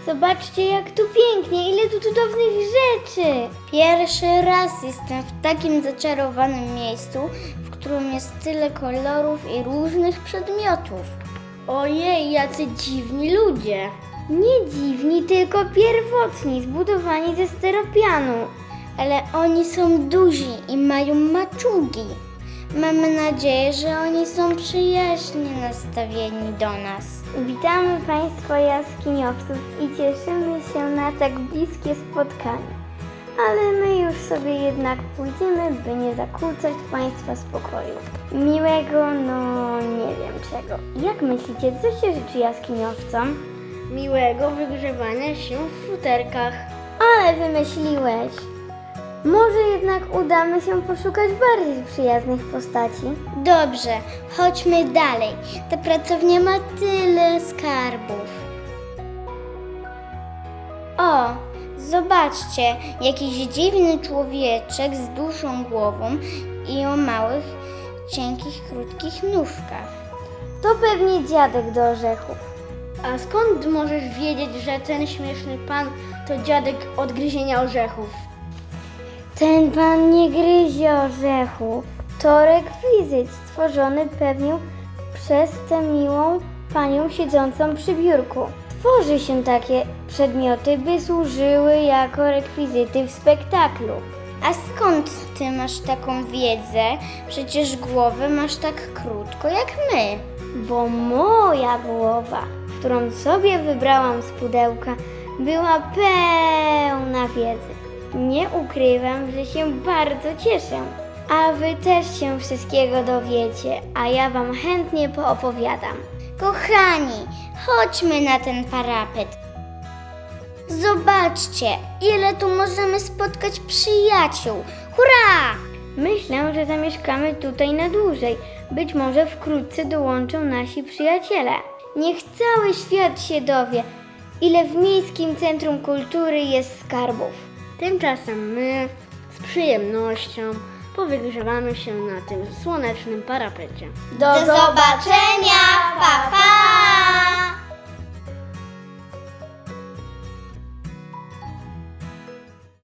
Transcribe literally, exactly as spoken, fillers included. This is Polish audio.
Zobaczcie, jak tu pięknie, ile tu cudownych rzeczy. Pierwszy raz jestem w takim zaczarowanym miejscu, w którym jest tyle kolorów i różnych przedmiotów. Ojej, jacy dziwni ludzie. Nie dziwni, tylko pierwotni, zbudowani ze styropianu. Ale oni są duzi i mają maczugi. Mamy nadzieję, że oni są przyjaźnie nastawieni do nas. Witamy Państwa jaskiniowców i cieszymy się na tak bliskie spotkanie. Ale my już sobie jednak pójdziemy, by nie zakłócać Państwa spokoju. Miłego, no nie wiem czego. Jak myślicie, co się życzy jaskiniowcom? Miłego wygrzewania się w futerkach. Ale wymyśliłeś! Może jednak udamy się poszukać bardziej przyjaznych postaci? Dobrze, chodźmy dalej. Ta pracownia ma tyle skarbów. O, zobaczcie, jakiś dziwny człowieczek z dłuższą głową i o małych, cienkich, krótkich nóżkach. To pewnie dziadek do orzechów. A skąd możesz wiedzieć, że ten śmieszny pan to dziadek od gryzienia orzechów? Ten pan nie gryzie orzechów. To rekwizyt stworzony pewnie przez tę miłą panią siedzącą przy biurku. Tworzy się takie przedmioty, by służyły jako rekwizyty w spektaklu. A skąd ty masz taką wiedzę? Przecież głowę masz tak krótko jak my. Bo moja głowa, którą sobie wybrałam z pudełka, była pełna wiedzy. Nie ukrywam, że się bardzo cieszę. A wy też się wszystkiego dowiecie, a ja wam chętnie poopowiadam. Kochani, chodźmy na ten parapet. Zobaczcie, ile tu możemy spotkać przyjaciół. Hurra! Myślę, że zamieszkamy tutaj na dłużej. Być może wkrótce dołączą nasi przyjaciele. Niech cały świat się dowie, ile w Miejskim Centrum Kultury jest skarbów. Tymczasem my z przyjemnością powygrzewamy się na tym słonecznym parapecie. Do zobaczenia, pa pa!